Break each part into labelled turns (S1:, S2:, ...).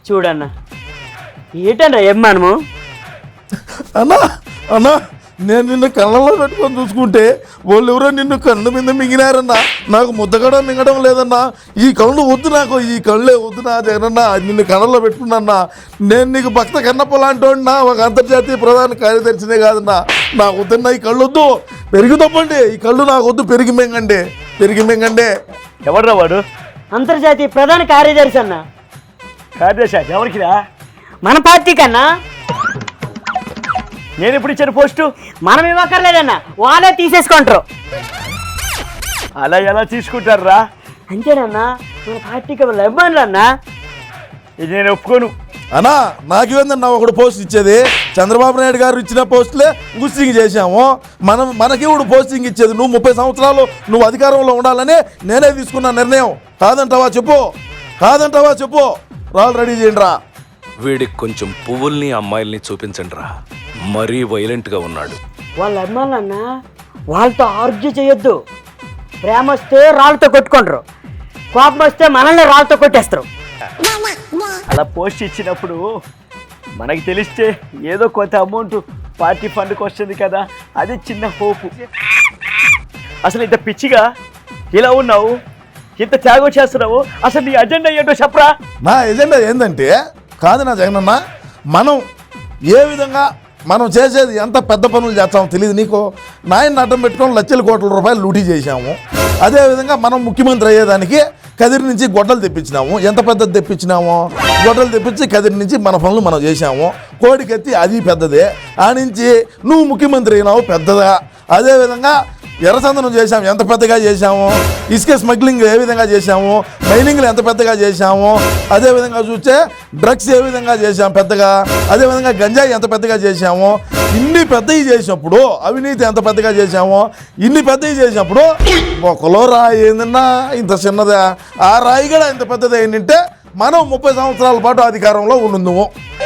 S1: చూడన్నా ఏంటన్నా ఏమనము
S2: అన్నా అన్నా నేను నిన్ను కళ్ళలో పెట్టుకొని చూసుకుంటే వాళ్ళు ఎవరో నిన్ను కన్ను మీద మింగినారన్నా. నాకు ముద్దగడం మింగడం లేదన్నా. ఈ కళ్ళు వద్దు, నాకు ఈ కళ్ళే వద్దు నా జగనన్నా. నిన్ను కళ్ళలో పెట్టుకున్నా. నేను నీకు భక్త కన్నప్ప లాంటోడినా, ఒక అంతర్జాతీయ ప్రధాన కార్యదర్శినే కాదన్నా. నాకు వద్దన్నా, ఈ కళ్ళు వద్దు, పెరిగి తప్పండి. ఈ కళ్ళు నాకు వద్దు, పెరిగి మింగండి.
S3: ఎవడ్రా వాడు?
S1: అంతర్జాతీయ ప్రధాన కార్యదర్శి అన్న.
S3: కార్యదర్శి ఎవరికిరా?
S1: మన పార్టీ కన్నా.
S3: నేను ఎప్పుడు ఇచ్చాను పోస్టు?
S1: మనం ఇవ్వక్కర్లేదన్న, వాళ్ళే తీసేసుకుంటారు.
S3: అలా ఎలా తీసుకుంటారా?
S1: అంతేనన్నా, మన పార్టీకి ఇవ్వను అన్నా.
S3: ఇది నేను ఒప్పుకోను.
S2: అన్నా నాకేందన్నా ఒకడు పోస్ట్ ఇచ్చేది? చంద్రబాబు నాయుడు గారు ఇచ్చిన పోస్టులే పోస్టింగ్ చేశాము. మనకి ఇప్పుడు పోస్టింగ్ ఇచ్చేది. నువ్వు 30 సంవత్సరాలు నువ్వు అధికారంలో ఉండాలని నేనే తీసుకున్న నిర్ణయం. కాదంటావా చెప్పు. రాళ్ళు రెడీ చేయండి రా.
S4: వీడికి కొంచెం పువ్వుల్ని అమ్మాయిల్ని చూపించండి రా, మరీ వైలెంట్గా ఉన్నాడు.
S1: వాళ్ళ అమ్మాయిలన్నా వాళ్ళతో ఆర్గ్యూ చేయొద్దు. ప్రేమ వస్తే రాళ్ళతో కొట్టుకుంటారు, కోపం వస్తే మనల్ని రాళ్ళతో కొట్టేస్తారు.
S3: అలా పోస్ట్ ఇచ్చినప్పుడు మనకి తెలిస్తే ఏదో కొంత అమౌంట్ పార్టీ ఫండ్కి వస్తుంది కదా, అది చిన్న హోపు. అసలు ఇంత పిచ్చిగా ఇలా ఉన్నావు, ఇంత త్యాగం చేస్తున్నావు, అసలు నీ అజెండా ఏంటో చెప్పరా?
S2: నా ఎజెండా ఏంటంటే, కాదు నా జగనన్న, మనం ఏ విధంగా మనం చేసేది ఎంత పెద్ద పనులు చేస్తామో తెలియదు నీకు. నాయన్ని అడ్డం పెట్టుకొని లక్షల కోట్ల రూపాయలు లూటీ చేశాము. అదేవిధంగా మనం ముఖ్యమంత్రి అయ్యేదానికి కదిరి నుంచి గొడ్డలు తెప్పించినాము. ఎంత పెద్దది తెప్పించినాము? గొడ్డలు తెప్పించి కదిరి నుంచి మన పనులు మనం చేశాము. కోడికెత్తి అది పెద్దదే. ఆ నుంచి నువ్వు ముఖ్యమంత్రి అయినావు, పెద్దదా. అదేవిధంగా ఎర్రచందనం చేశాము, ఎంత పెద్దగా చేశాము. ఇసుక స్మగ్లింగ్ ఏ విధంగా చేశాము. మైనింగ్లు ఎంత పెద్దగా చేశాము. అదేవిధంగా చూస్తే డ్రగ్స్ ఏ విధంగా చేశాము పెద్దగా. అదేవిధంగా గంజాయి ఎంత పెద్దగా చేశాము. ఇన్ని పెద్దవి చేసినప్పుడు అవినీతి ఎంత పెద్దగా చేశాము. ఇన్ని పెద్దవి చేసినప్పుడు ఒకలో రాయి ఏందన్నా ఇంత చిన్నదా, ఆ రాయి కూడా ఇంత పెద్దది ఏంటంటే మనం 30 సంవత్సరాల పాటు అధికారంలో ఉండుందుము.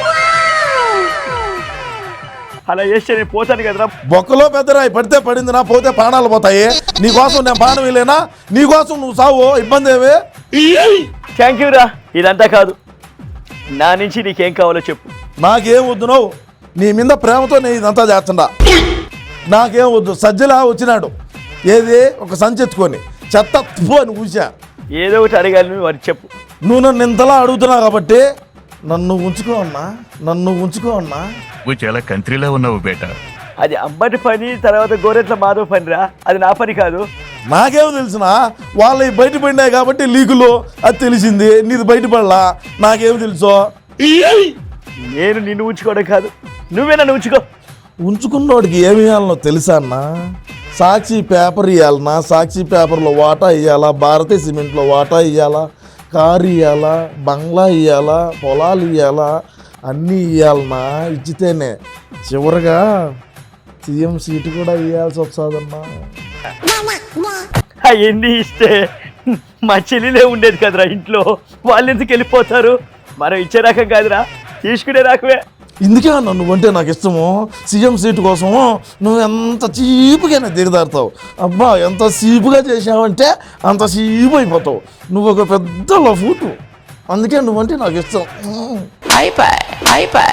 S3: అలా చేస్తే నేను పోతాను కదరా.
S2: బొక్కలో పెద్ద రాయి పడితే పడింది, నా పోతే ప్రాణాలు పోతాయి. నీకోసం నేను ప్రాణం వెళ్ళేనా? నీకోసం నువ్వు సావు, ఇబ్బంది ఏమి?
S3: థ్యాంక్ యూ రా. ఇదంతా కాదు, నా నుంచి నీకేం కావాలో చెప్పు.
S2: నాకేం వద్దు, నువ్వు నీ మీద ప్రేమతో నేను ఇదంతా చేస్తుండా. నాకేం వద్దు. సజ్జలా వచ్చినాడు, ఏది ఒక సంచెత్తుకొని చెత్త అని కూర్చా.
S3: ఏదో ఒకటి అడగాలి, నువ్వు అది చెప్పు.
S2: నువ్వు నన్ను ఇంతలా అడుగుతున్నావు కాబట్టి నన్ను ఉంచుకో అన్నా.
S5: నువ్వు చాలా కంట్రీలో ఉన్నావు బేటా.
S3: అది అంబటి పని, తర్వాత గోరెట్ల మాధవ్ పనిరా, అది నా పని కాదు.
S2: నాకేమో తెలిసిన వాళ్ళవి బయటపడినాయి కాబట్టి లీకులు అది తెలిసింది. నీది బయటపడలా, నాకేమో తెలుసో.
S3: నేను నిన్ను ఉంచుకోవడం కాదు, నువ్వే నన్ను
S2: ఉంచుకున్నోడికి ఏమి ఇవ్వాలనో తెలుసా అన్న? సాక్షి పేపర్ ఇవ్వాలన్నా, సాక్షి పేపర్లో వాటా ఇవ్వాలా, భారతీయ సిమెంట్లో వాటా ఇవ్వాలా, కారు ఇవ్వాలా, బంగ్లా ఇవ్వాలా, పొలాలు ఇవ్వాలా, అన్నీ ఇవ్వాలన్నా. ఇచ్చితేనే చివరిగా సీఎం సీటు కూడా ఇవ్వాల్సి వస్తుందన్నా.
S3: అవన్నీ ఇస్తే మా చెల్లిలే ఉండేది కదరా ఇంట్లో, వాళ్ళు ఎందుకు వెళ్ళిపోతారు? మనం ఇచ్చే రకం కాదురా, తీసుకునే రకమే.
S2: ఇందుకే అన్న నువ్వంటే నాకు ఇష్టము. సీఎం సీటు కోసము నువ్వు ఎంత చీపుగానే దిగదారుతావు. అబ్బా ఎంత చీపుగా చేసావంటే అంత చీపు అయిపోతావు. నువ్వు ఒక పెద్ద లఫూటు, అందుకే నువ్వంటే నాకు ఇష్టం.